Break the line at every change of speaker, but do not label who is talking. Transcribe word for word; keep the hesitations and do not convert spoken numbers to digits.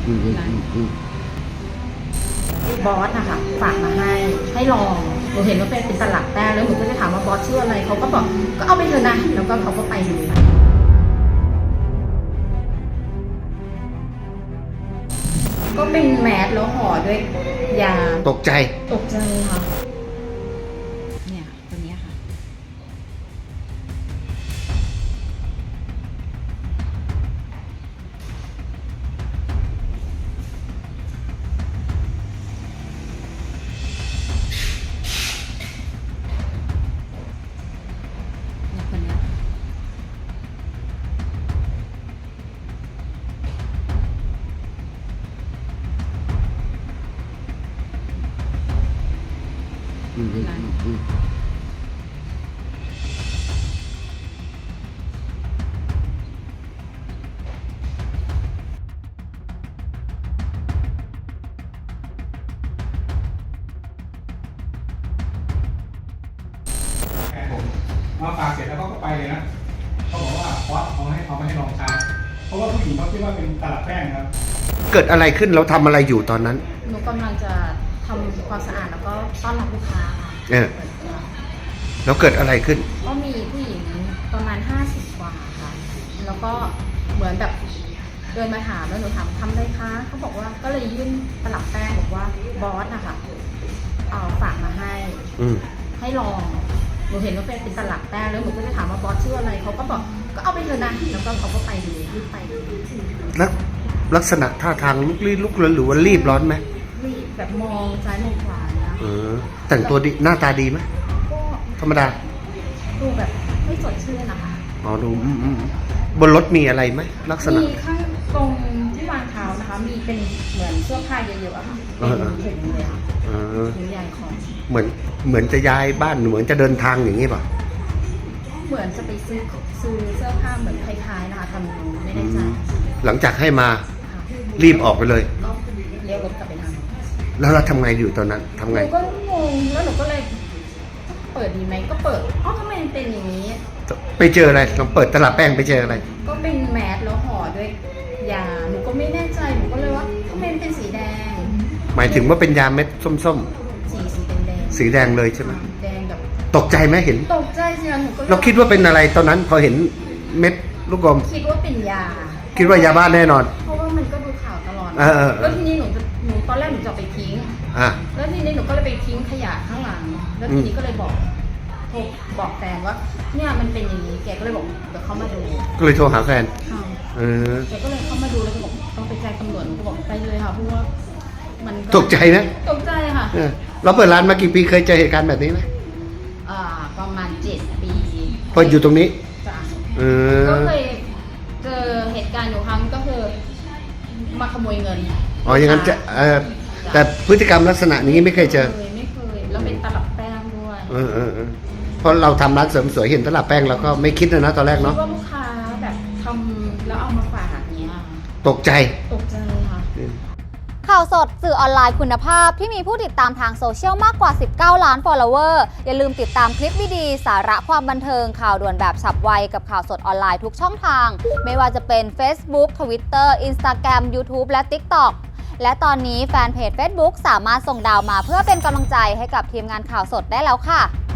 บอสนะคะฝากมาให้ให้ลองหนูเห็นว่าเป็นเป็นตลับแป้งแล้วหนูก็จะถามว่าบอสชื่ออะไรเขาก็บอกก็เอาไปเถอะนะแล้วก็เขาก็ไปดูก็เป็นแมสแล้วห่อด้วยยา
ตกใจ
ตกใจค่ะเนี่ยตัวนี้ค่ะ
อืมอืมอืม
มาฝากเสร็จแล้วเขาก็ไปเลยนะเขาบอกว่าบอสเอาให้เขาไม่ให้ลองใช้เพราะว่าผู้หญิงเขาคิดว่าเป็นตลับแป้งครับ
เกิดอะไรขึ้นเราทำอะไรอยู่ตอนนั้น
หนูกำลังจะทำความสะอาดแล้วก็ต้อนรับลูกค้าค่ะ
เออแล้วเกิดอะไรขึ้น
ก็มีผู้หญิงประมาณห้าสิบกว่าค่ะแล้วก็เหมือนแบบเดินมาถามแล้วหนูถามทำได้คะเขาบอกว่าก็เลยยื่นตลับแป้งบอกว่าบอสนะคะเอาฝากมาให้ให้ลองหนูเห็นว่าเป็นเป็นตลับแป้งแล้วหนูก็จะถามว่าบอสชื่ออะไรเขาก็บอกก็เอาไปเถอะนะแล้วก็เขาก็ไปดูรีบไปดู
แล้วลักษณะท่าทางลุกลี้ลุกลนหรือว่ารีบร้อนไหม
รีบแบบมองซ้ายมองขวานะ
เออแต่งตัวดีหน้าตาดีไหม
ก็
ธรรมดา
ดูแบบไม่สดชื่นนะคะ
อ๋อดูบนรถมีอะไรไหมลักษณะ
มีข้างตรงที่วางเท้านะคะมีเป็นเหมือนเสื้อผ้าเยอะๆค่ะเป็นถุงเลยค่ะถุงใหญ่ของ
เหมือนเหมือนจะย้ายบ้านเหมือนจะเดินทางอย่างนี้ป่ะ
เหมือนจะไปซื้อซื้อเสื้อผ้าเหมือนคล้ายๆนะคะทำไม่ได้ใจ
หลังจากให้มารีบออกไปเลย
ก็เลี้ยวรถกลับไปท
ำแล้วเราทำไงอยู่ตอนนั้นทำไง
หนูก็งงแล้วหนูก็เลยเปิดดีไหมก็เปิดอ๋อทำไมมันเป็นอย่างนี้
ไปเจออะไรลองเปิดตลับแป้งไปเจออะไร
ก็เป็นแมสแล้วห่อด้วยยาหนูก็ไม่แน่ใจหนูก็เลยว่าทำไมมันเป็นสีแดง
หมายถึงว่าเป็นยาเม็ดส้ม
ๆสีสีแดง
สีแดงเลยใช่ไหม
แดงแบบ
ตกใจไหมเห็น
ตกใจสิหนูก็
เราคิดว่าเป็นอะไรตอนนั้นพอเห็นเม็ดลูกกลม
คิดว่าเป็นยา
คิดว่ายาบ้าแน่นอน
เพราะว่ามันก็ดูข่าวตลอด
แล้
วทีนี้หนูหนูตอนแรกหนูจะไปทิ้งแล้วทีนี้หนูก็เลยไปทิ้งขยะข้างหลังแล้วทีนี้ก็เลยบอกโทรบอกแฟนว่าเนี่ยมันเป็นอย่างนี้แกก็เลยบอกเดี๋ยวเขามาดู
ก็เลยโทรหาแฟน
เออแกก็เลยเข้ามาดูแล้วก็บอกต้องไปแจ้งตำรวจหนูก็บอกไปเลยค่ะเพราะว่ามัน
ตกใจนะ
ตกใจค่ะ
เราเปิดร้านมากี่ปีเคยเจอเหตุการณ์แบบนี้ไหม
อ่าประมาณเจ็ดปี
เปิดอยู่ตรงนี้
ก็เคยเจอเหตุการณ์อยู่ครั้งก็คือมาขโมยเงิน
อ๋ออย่างนั้นจะแต่พฤติกรรมลักษณะนี้ไม่เคยเจอ
ไม่เคยแล้วเป็นตลับแป้งด้วย
เออเออเพราะเราทำร้านเสริมสวยเห็นตลับแป้งเราก็ไม่คิดนะตอนแรกเนาะ
ว่าลูกค้าแบบทำแล้วเอามาฝากเนี้ย
ตกใจ
ตกใจค่ะ
ข่าวสดสื่อออนไลน์คุณภาพที่มีผู้ติดตามทางโซเชียลมากกว่าสิบเก้าล้าน follower อย่าลืมติดตามคลิปวิดีสาระความบันเทิงข่าวด่วนแบบฉับไวกับข่าวสดออนไลน์ทุกช่องทางไม่ว่าจะเป็น Facebook Twitter Instagram YouTube และ TikTok และตอนนี้แฟนเพจ Facebook สามารถส่งดาวมาเพื่อเป็นกำลังใจให้กับทีมงานข่าวสดได้แล้วค่ะ